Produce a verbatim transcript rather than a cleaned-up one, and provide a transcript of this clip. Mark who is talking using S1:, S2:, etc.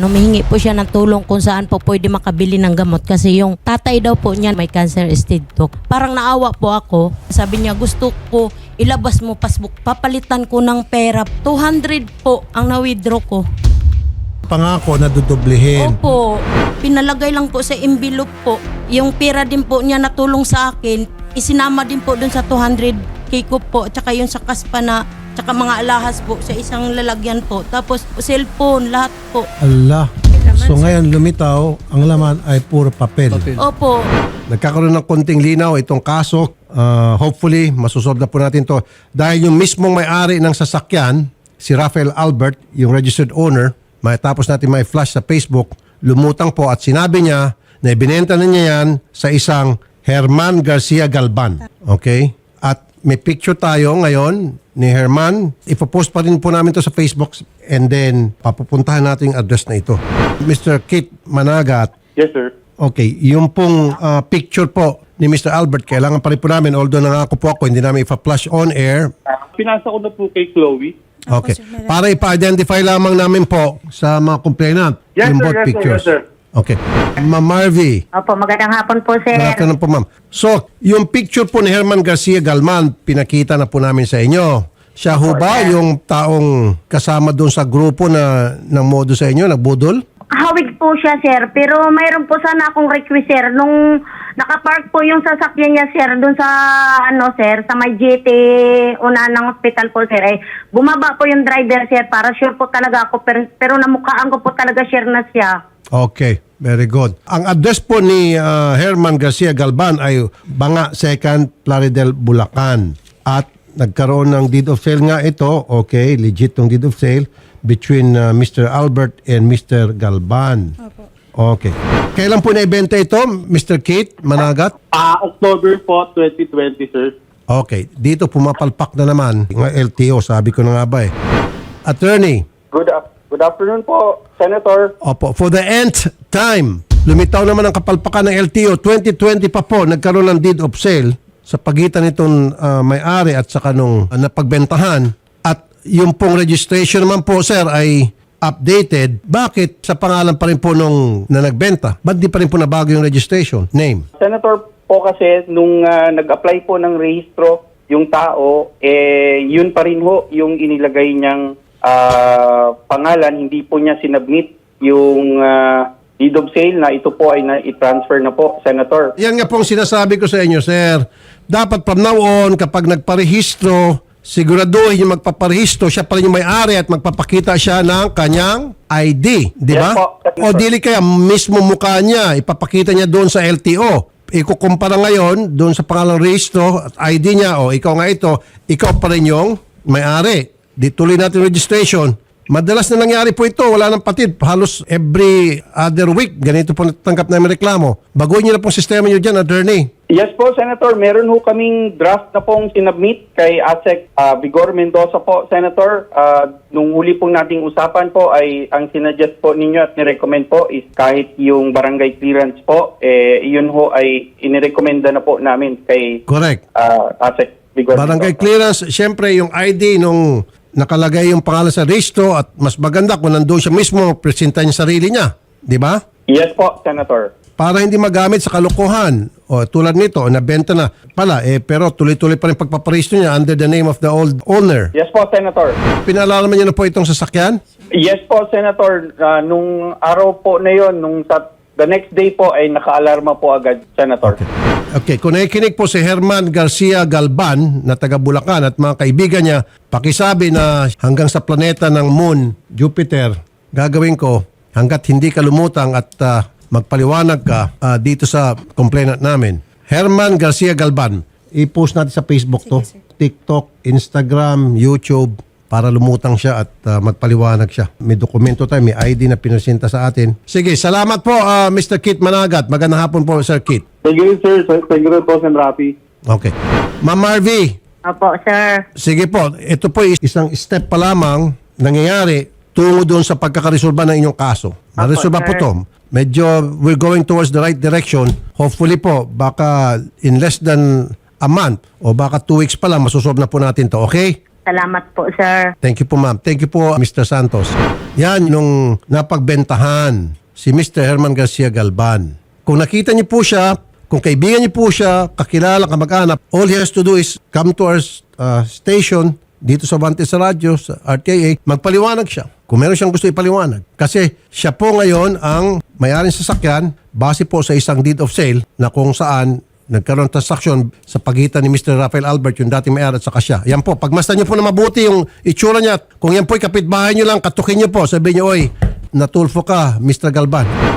S1: humihingi po siya ng tulong kung saan po pwede makabili ng gamot kasi yung tatay daw po niya may cancer stage two. Parang naawa po ako. Sabi niya, gusto ko ilabas mo passbook. Papalitan ko ng pera. two hundred po ang na-withdraw ko.
S2: Pangako na dudublihin.
S1: Opo. Pinalagay lang po sa envelope po. Yung pera din po niya natulong sa akin, isinama din po dun sa two hundred k ko po. Tsaka yung sa kaspa na, tsaka mga alahas po sa isang lalagyan po. Tapos cellphone, lahat po.
S2: Allah. So ngayon lumitaw, ang laman ay puro papel.
S3: Papel.
S1: Opo.
S2: Nagkakaroon ng konting linaw itong kaso. Uh, hopefully, masusolve na po natin to. Dahil yung mismong may-ari ng sasakyan, si Rafael Albert, yung registered owner, matapos natin may flash sa Facebook, lumutang po at sinabi niya na ibinenta na niya yan sa isang Herman Garcia Galban. Okay? At may picture tayo ngayon ni Herman. Ipopost pa rin po namin to sa Facebook and then papupuntahan natin yung address na ito. Mister Kit Managat.
S4: Yes, sir.
S2: Okay, yung pong uh, picture po ni Mister Albert, kailangan pa rin po namin, although nangako po ako, hindi namin ipa-flash on air.
S4: Pinasa ko na po kay Chloe.
S2: Okay. Para ipa-identify lamang namin po sa mga complainant
S4: Yes,
S2: yung
S4: sir,
S2: both
S4: yes, sir,
S2: pictures.
S4: yes, sir.
S2: Okay. Ma'am Marvy.
S5: Opo, magandang hapon po, sir.
S2: Good afternoon po, ma'am. So, yung picture po ni Herman Garcia Galman, pinakita na po namin sa inyo. Siya ho ba yung taong kasama doon sa grupo na ng modo sa inyo, nagbudol?
S5: Hawig po siya, sir. Pero mayroon po sana akong request, sir. Nung nakapark po yung sasakyan niya, sir, doon sa, ano, sir, sa may G T, una ng hospital po, sir. Eh, bumaba po yung driver, sir, para sure po talaga ako. Pero, pero namukhaan ko po talaga, sir, na siya.
S2: Okay, very good. Ang address po ni uh, Herman Garcia Galban ay Banga second, Plaridel, Bulacan. At nagkaroon ng deed of sale nga ito. Okay, legit tong deed of sale between uh, Mister Albert and Mister Galban. Okay. Kailan po naibenta ito, Mister Kate Managat?
S4: Ah, October po, twenty twenty, sir.
S2: Okay. Dito pumapalpak na naman. Ng L T O, sabi ko na nga ba eh. Attorney.
S4: Good, af- good afternoon po, Senator.
S2: Opo. For the nth time, lumitaw naman ang kapalpakan ng L T O. twenty twenty pa po, nagkaroon ng deed of sale sa pagitan nitong uh, may-ari at saka nung uh, napagbentahan. At yung pong registration naman po, sir, ay updated. Bakit sa pangalan pa rin po nung na nagbenta? Ba't di pa rin po nabago yung registration? Name?
S4: Senator po kasi, nung ah, nag-apply po ng rehistro yung tao, eh, yun pa rin ho yung inilagay niyang ah, pangalan. Hindi po niya sinubmit yung ah, deed of sale na ito po ay na-transfer na po, Senator.
S2: Yan nga pong sinasabi ko sa inyo, sir. Dapat from now on, kapag nagparehistro, siguraduhin yung magpaparehistro, siya pa rin yung may-ari at magpapakita siya ng kanyang I D. Di ba?
S4: Yes po.
S2: O dili kaya mismo mukha niya, ipapakita niya doon sa L T O. Ikukumpara ngayon doon sa pangalang rehistro at I D niya, o ikaw nga ito, ikaw pa rin yung may-ari. Di tuloy natin registration. Madalas na nangyari po ito, wala nang patid. Halos every other week, ganito po natanggap namin reklamo. Baguhin niyo na pong sistema niyo dyan, attorney.
S4: Yes po, Senator. Meron ho kaming draft na pong sinubmit kay A S E C uh, Vigor Mendoza po, Senator. Uh, nung huli pong nating usapan po ay ang sinadjust po ninyo at nirecommend po is kahit yung barangay clearance po, eh, yun ho ay inirekomenda na po namin kay
S2: Correct.
S4: uh, A S E C Vigor
S2: Barangay
S4: Mendoza.
S2: clearance, syempre yung I D nung nakalagay yung pangalan sa registro at mas maganda kung nandoon siya mismo, presenta niya sarili niya. Di ba?
S4: Yes po, Senator.
S2: Para hindi magamit sa kalokohan. O tulad nito, o nabenta na pala, eh, pero tuloy-tuloy pa rin pagpaparehistro niya under the name of the old owner.
S4: Yes po, Senator.
S2: Pinalalaman niyo na po itong sasakyan?
S4: Yes po, Senator. Uh, nung araw po na yon, nung sa, the next day po ay naka-alarma po agad, Senator.
S2: Okay. Okay, kung nakikinig po si Herman Garcia Galban na taga Bulacan at mga kaibigan niya, pakisabi na hanggang sa planeta ng Moon, Jupiter, gagawin ko hanggat hindi ka lumutang at uh, magpaliwanag ka uh, dito sa complainant namin. Herman Garcia Galban, i-post natin sa Facebook to, TikTok, Instagram, YouTube, para lumutang siya at uh, magpaliwanag siya. May dokumento tayo, may I D na pinresenta sa atin. Sige, salamat po uh, Mister Kit Managat. Magandang hapon po, Sir Kit.
S4: Thank you, sir. Thank you po, Sen. Rafi.
S2: Okay. Ma'am Marvy,
S5: Opo, sir.
S2: sige po, ito po is isang step pa lamang nangyayari tungo doon sa pagkakaresolba ng inyong kaso. Naresolba po
S5: sir.
S2: to. Medyo we're going towards the right direction. Hopefully po, baka in less than a month o baka two weeks pa lang, masusolve na po natin to. Okay?
S5: Salamat po, sir.
S2: Thank you po, ma'am. Thank you po, Mister Santos. Yan, nung napagbentahan si Mister Herman Garcia Galban. Kung nakita niyo po siya, kung kaibigan niyo po siya, kakilala, kamag-anak, all he has to do is come to our uh, station dito sa Vantes sa radyo, sa R T I A, magpaliwanag siya. Kung meron siyang gusto ipaliwanag. Kasi siya po ngayon ang may-aring sasakyan base po sa isang deed of sale na kung saan nagkaroon ng transaksyon sa pagitan ni Mister Rafael Albert, yung dating may-ari at saka siya. Yan po, pagmasdan niyo po na mabuti yung itsura niya. Kung yan po'y kapitbahay niyo lang, katukin niyo po, sabihin niyo, oy, natulfo ka, Mister Galban.